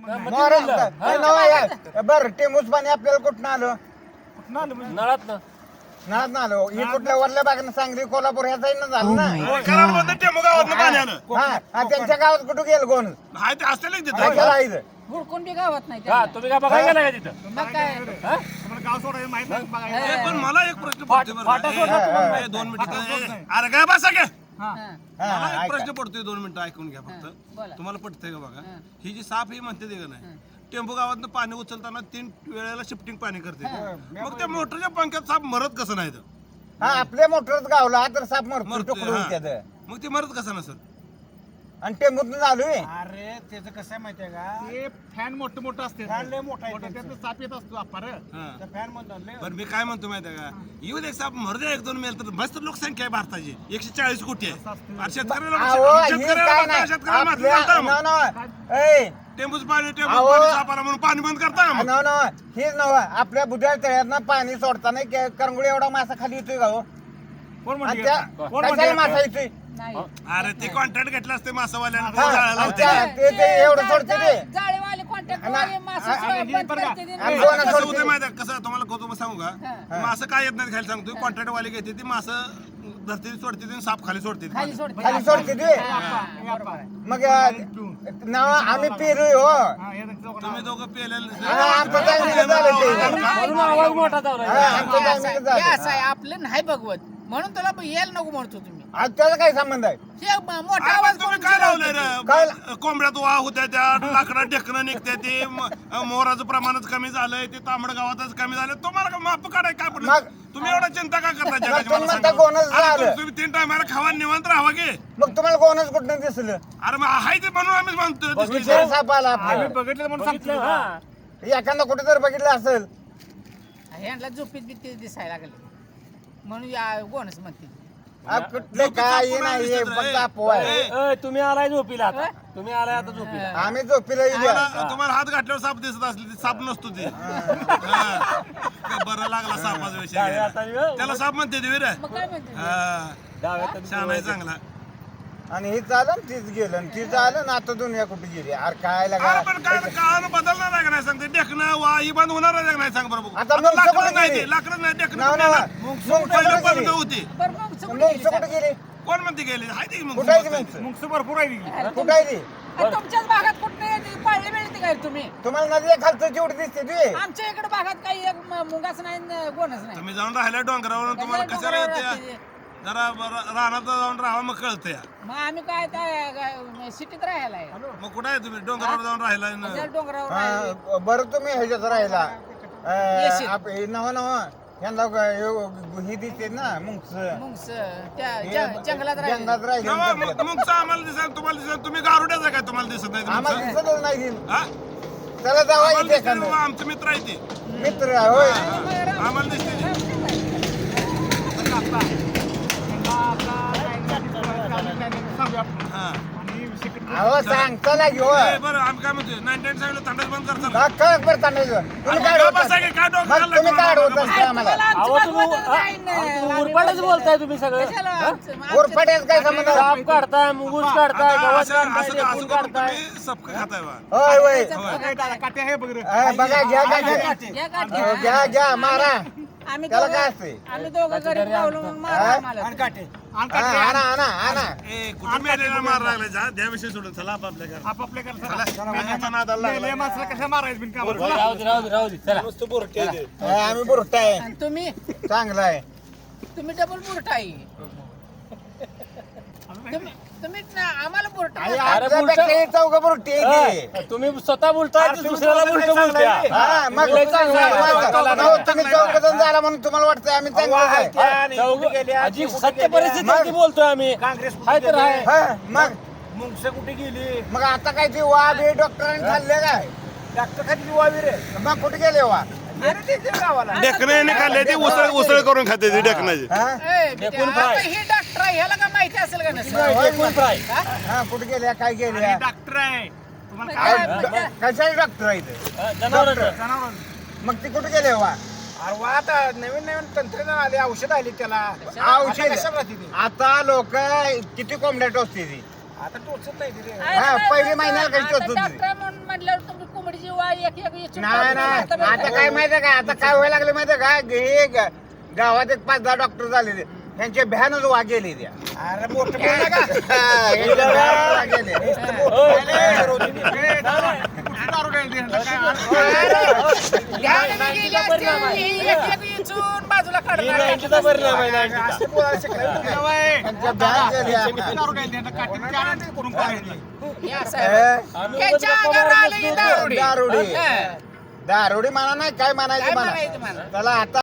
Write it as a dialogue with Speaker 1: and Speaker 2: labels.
Speaker 1: बर टेमूच पाणी आपल्याला कुठं आलं
Speaker 2: नळात ना
Speaker 1: नाही ना आलो ही कुठल्या वरल्या बागेनं सांगली कोल्हापूर ह्या साईडनं झालं ना हा त्यांच्या गावात कुठं गेलं कोण
Speaker 3: हुडकून बी गावात नाही
Speaker 2: हा तुम्ही काय बघायला गेला का तिथं
Speaker 3: मग काय
Speaker 4: गाव सोडायला माहित नाही बघायला.
Speaker 5: पण मला एक प्रश्न पडतोय बरं का. ए, 2 मिनिटं अरे काय बसा घ्या मला एक प्रश्न पडतोय 2 मिनिटं ऐकून घ्या फक्त तुम्हाला पटतंय का बघा ही जी साप ही म्हणते ते का नाही टेम्पो गावातनं पाणी उचलताना 3 वेळेला शिफ्टिंग पाणी करते मग त्या मोटरच्या पंख्यात साप मरत कसं नाही तर?
Speaker 1: हा आपल्या मोटरच गावला तर साप मरतो
Speaker 5: मरतोय,
Speaker 1: तुकडून
Speaker 5: हा.
Speaker 1: त्याचं
Speaker 5: मग ते मरत कसं नसेल
Speaker 1: आणि टेंबूतनं चालू आहे
Speaker 4: अरे त्याचं कसं आहे माहितीये का ते फॅन मोठं असते लय मोठा त्यातनं साप येत असतो अपार त्या फॅन मधून
Speaker 5: बरं मी काय म्हणतो माहिती का येऊ दे साप मरू दे 1-2 मेल तर मस्त लोकसंख्या आहे भारताची 140 कोटी आहे आणि शेतकऱ्याला टेम्पूच पाणी सापाला म्हणून पाणी बंद करता का मग?
Speaker 1: हेच नव आपल्या बुद्धाळ तळ्यातनं पाणी सोडताना करंगुळी एवढा मासा खाली येतोय का हो
Speaker 4: कोण
Speaker 1: आणि
Speaker 4: म्हणते
Speaker 1: त्या- कशाला मासा येतोय
Speaker 3: नाही
Speaker 5: अरे ते कॉन्ट्रॅक्ट घेतलं असते मासावाल्यानं
Speaker 1: हा,
Speaker 5: जाळं
Speaker 1: आणि
Speaker 5: लावते
Speaker 1: ते एवढं सोडते ते
Speaker 3: जाळेवाले कॉन्टॅक्ट
Speaker 1: आणि-
Speaker 3: मासे
Speaker 1: आणि-
Speaker 3: बंद करते ते.
Speaker 1: आणि
Speaker 5: कसं
Speaker 1: कोण
Speaker 5: होतं
Speaker 1: सोडते
Speaker 5: माहिती आहे कसं तुम्हाला कौतुक सांगू का मासं काय येत नाही खाली सांगतो कॉन्ट्रॅक्ट वाले घेते ती मासं धरती सोडते ती साप खाली सोडते
Speaker 3: खाली सोडते
Speaker 1: खाली सोडते ते मग नाव आम्ही पेरूय हो
Speaker 5: तुम्ही दोघं पेलेलं
Speaker 1: आमचं टायमिंग झालं ते
Speaker 2: म्हणून आवाज मोठा चालू आहे.
Speaker 1: आमचं टायमिंग झालं
Speaker 3: असं आहे आपलं नाही भगवत म्हणून तुला यायला नको म्हणतो तुम्ही
Speaker 1: आज त्याचा काय संबंध आहे
Speaker 3: हे मोठा आवाज
Speaker 5: तुम्ही
Speaker 3: करून
Speaker 5: काय लावलंय
Speaker 1: काय?
Speaker 5: रे कोंबड्यात वाह होत्या त्या लाकडा ढेकणं निघते ते मोराचं प्रमाणच कमी झालंय ते तांबड गावातच कमी झालं तुम्हाला का माप काढाय काय पडलं
Speaker 1: मग-
Speaker 5: तुम्ही एवढा चिंता का करता जगाची
Speaker 1: तुम्ही
Speaker 5: मला
Speaker 1: म्हणता
Speaker 5: सांगा?
Speaker 1: कोणच
Speaker 5: अरे
Speaker 1: झालं.
Speaker 5: तुम्ही 3 टायमाला खावा निवांत राहावा गे
Speaker 1: मग तुम्हाला कोणच कुठं दिसलं
Speaker 5: अरे मग आहे ते म्हणून आम्ही म्हणतोय दिसली
Speaker 1: विचार
Speaker 5: तर.
Speaker 1: साप आला
Speaker 4: आम्ही
Speaker 1: आपलं
Speaker 4: बघितलं म्हणून
Speaker 2: बघितलं,
Speaker 4: सांगतो
Speaker 2: हा.
Speaker 1: एखादा कुठे जर बघितलं असेल
Speaker 3: ह्यांना झोपीत बी ते दिसायला लागले म्हणून कोणच म्हणते
Speaker 1: कुठले काय नाही हे फक्त अफवा आहे.
Speaker 2: ए, तुम्ही आलाय झोपीला आता तुम्ही आलाय आता झोपीला
Speaker 1: आम्ही झोपीला येऊ द्या.
Speaker 5: तुम्हाला हात घातल्यावर साप दिसत असले ते साप नसतो ते हा. बरं लागला सापाचा विषय
Speaker 2: डाव्या
Speaker 5: घ्यायला.
Speaker 2: हाताने वे-
Speaker 5: त्याला साप म्हणते ते वीर
Speaker 3: मग काय म्हणते
Speaker 2: डाव्या हाताने
Speaker 5: छान आहे चांगला
Speaker 1: आणि हे चालं आणि तीच गेलं आणि तीच आलं ना आता दुनिया कुठे गेली अरे काय लागा
Speaker 5: अरे पण काय काळानं बदलणार आहे का नाही सांगते देखणं वा ही बंद होणार आहे का नाही सांग बरं बघू.
Speaker 1: आता मग
Speaker 5: लाकडं
Speaker 1: सगळं
Speaker 5: नाही
Speaker 1: गेली.
Speaker 5: ते लाकडं नाही देखणं
Speaker 1: नाव
Speaker 5: कुठे
Speaker 1: नाव
Speaker 5: ना.
Speaker 1: मग
Speaker 5: पहिलं
Speaker 1: कुठे
Speaker 5: बंद
Speaker 1: गेली
Speaker 5: होती
Speaker 3: बरं मग सगळं
Speaker 1: मग कुठे गेली
Speaker 5: कोण म्हणते गेले हाय ते मग
Speaker 1: कुठे आहे ती मग
Speaker 4: मुंगस भरपूर आहे तिकडे.
Speaker 1: कुठे आहे ती
Speaker 3: तुमच्याच भागात कुठं नाही पाळले मिळते काय तुम्ही
Speaker 1: तुम्हाला नदी खालचं जेवढी दिसते ती
Speaker 3: आमच्या इकडे भागात काही एक मुंगाच नाही न गोणच नाही
Speaker 5: तुम्ही जाऊन राहिला डोंगरावर तुम्हाला
Speaker 3: कशाला
Speaker 5: कशाला
Speaker 3: डोंगरावर
Speaker 5: येते
Speaker 3: राहते?
Speaker 5: जरा रानात जाऊन राहावं मग कळतं या
Speaker 3: मग आम्ही काय सिटीत राहायला आहे
Speaker 5: मग कुठे आहे तुम्ही डोंगरावर जाऊन राहिला ना?
Speaker 3: त्या डोंगरावर राहायला.
Speaker 1: हा, बरं तुम्ही ह्याच्यात राहिला
Speaker 3: येशील.
Speaker 1: नव नव ह्यांना ही दिसते ना मुंगस
Speaker 3: मुंगस त्या जंगलात राहायला
Speaker 1: जंगलात राहिले
Speaker 5: तेव्हा मग आम्हाला दिसत तुम्हाला दिसत तुम्ही गारुड्याच आहे काय तुम्हाला दिसत नाही
Speaker 1: आम्हाला
Speaker 5: तुमचं?
Speaker 1: दिसतच नाही ती.
Speaker 5: हा?
Speaker 1: त्याला जावा
Speaker 5: आम्हाला
Speaker 1: इथे
Speaker 5: दिसते
Speaker 1: एखादं.
Speaker 5: बाबा, आमचे मित्र आहे ते
Speaker 1: मित्र होय
Speaker 5: आम्हाला दिसते ते.
Speaker 4: सांगूया आपण.
Speaker 5: हा.
Speaker 4: आणि secret-
Speaker 1: अहो सांगता ना घेऊ
Speaker 5: ए, बरं आम्ही काय म्हणतोय 99 सांगितलं थंडच बंद करता ना.
Speaker 1: कळत बरं चांगलं तुम्ही काय
Speaker 5: गप्प
Speaker 1: होता?
Speaker 5: बसा की, काय डोकं
Speaker 1: मग
Speaker 5: घाललं
Speaker 1: तुम्ही
Speaker 5: तुम्हाला?
Speaker 1: काय होत
Speaker 5: गप्प
Speaker 1: असते आम्हाला
Speaker 2: अहो तुम्ही उरपाटच बोलताय तुम्ही सगळं
Speaker 1: उरफाट्यात काय संबंध
Speaker 2: साप काढताय मुगूस काढताय
Speaker 5: आता
Speaker 2: गवत
Speaker 5: असं
Speaker 2: काढताय
Speaker 5: असं
Speaker 2: ढेकून
Speaker 5: करून
Speaker 2: काढताय
Speaker 5: तुम्ही सबक खाताय बा.
Speaker 1: होय होय
Speaker 4: काय दादा, काटे आहे बघ रे.
Speaker 1: बघा घ्या घ्या घ्या घ्या मारा
Speaker 3: आम्ही
Speaker 1: त्याला
Speaker 3: दोघं-
Speaker 1: काय असते
Speaker 3: आम्ही दोघं गरीब गावलो म्हणून मारा
Speaker 1: हा?
Speaker 3: आम्हाला.
Speaker 4: आणि काटे. आणि
Speaker 1: हा,
Speaker 4: काटे.
Speaker 1: आणा आणा आणा
Speaker 5: ए, कुठं मेलेला मार लागला जा द्या विषय सोडून चला आपापल्या घरात.
Speaker 4: आपापल्या घरात
Speaker 5: चला,
Speaker 4: चला.
Speaker 5: मेल्याचा नादाला लागला.
Speaker 4: मेल्या माणसाला कशा मारायचं बिन कामाला?
Speaker 2: राहू दे राहू दे राहू दे चला
Speaker 1: आम्ही बुरटा आहे
Speaker 3: आणि तुम्ही
Speaker 1: चांगला आहे
Speaker 3: डबल बुरटा आहे तुम्ही आम्हाला बुरटा
Speaker 1: आणि
Speaker 3: म्हणता.
Speaker 1: आपल्यापेक्षा हे चौघं बुरटी आहे ती.
Speaker 2: तुम्ही स्वतः बोलताय की दुसऱ्याला उलट बोलत्या
Speaker 1: हा, मग
Speaker 2: लय चांगलं आहे.
Speaker 1: हो, तुम्ही चौघ जण झाला म्हणून तुम्हाला वाटतंय आम्ही चांगलं आहे
Speaker 2: चौघं- अजी सत्य परिस्थिती बोलतोय आम्ही हाय तर आहे
Speaker 1: हा, मग
Speaker 4: मुंगस कुठे गेली
Speaker 1: मग आता काय ती वाघ हे डॉक्टरांनी खाल्ले काय
Speaker 4: डॉक्टर खाली वावी रे.
Speaker 1: मग कुठे गेले वा
Speaker 4: अरे ते ते गावाला.
Speaker 5: ढेकण्याने खाल्ले ते उसळ उसळ करून खाते ते ढेकणाची
Speaker 1: हा
Speaker 3: ए,
Speaker 2: ढेकून
Speaker 3: आता
Speaker 2: फ्राय.
Speaker 3: ही डॉक्टर आहे ह्याला काय माहिती असेल का नसेल
Speaker 2: ढेकून फ्राय
Speaker 1: हा कुठे गेल्या काय
Speaker 4: आणि
Speaker 1: गेल्या
Speaker 4: डॉक्टर आहे तुम्हाला
Speaker 3: काय
Speaker 4: काय
Speaker 3: म्हणजे?
Speaker 1: कशाचे डॉक्टर आहे ते?
Speaker 2: जनावरांचं
Speaker 4: जनावर.
Speaker 1: मग ती कुठे गेले वा
Speaker 4: अरे वा, आता नवीन नवीन तंत्रज्ञान आले औषध आली त्याला
Speaker 1: औषध
Speaker 4: आता कशाला राहते ती?
Speaker 1: आता लोक किती कोंबड्या टोचते ती
Speaker 4: आता टोचत नाही ती रे.
Speaker 3: आहे
Speaker 1: हा,
Speaker 3: ना,
Speaker 1: पहिली
Speaker 3: आता-
Speaker 1: महिन्याला कशी
Speaker 3: आता
Speaker 1: टोचत होती?
Speaker 3: डॉक्टर म्हणून म्हटल्यावर तुम्ही जीवा एक एक इचून
Speaker 1: नाही नाही आता काय माहितीये का आता काय व्हायला लागलं माहितीये का हे गावात एक 5-10 डॉक्टर झाले त्यांचे भ्यानच वा गेली त्या
Speaker 4: अरे मोठं बोल नका. दारू द्यायला दे.
Speaker 3: बाजूला काढला
Speaker 2: मेंटचा परिणाम आहे ना.
Speaker 4: असं बोलायला शिकलाय.
Speaker 1: त्यांच्या भ्यान गेल्या
Speaker 4: दारू द्यायला दे. काठी चार करून पाहिजे.
Speaker 3: हे असं आहे. त्यांच्या अंगावर आलं की दारुडी.
Speaker 1: दारुडी दारुडी म्हणा नाही काय म्हणायचं
Speaker 3: काय
Speaker 1: म्हणा
Speaker 3: म्हणायचं म्हणा?
Speaker 1: त्याला आता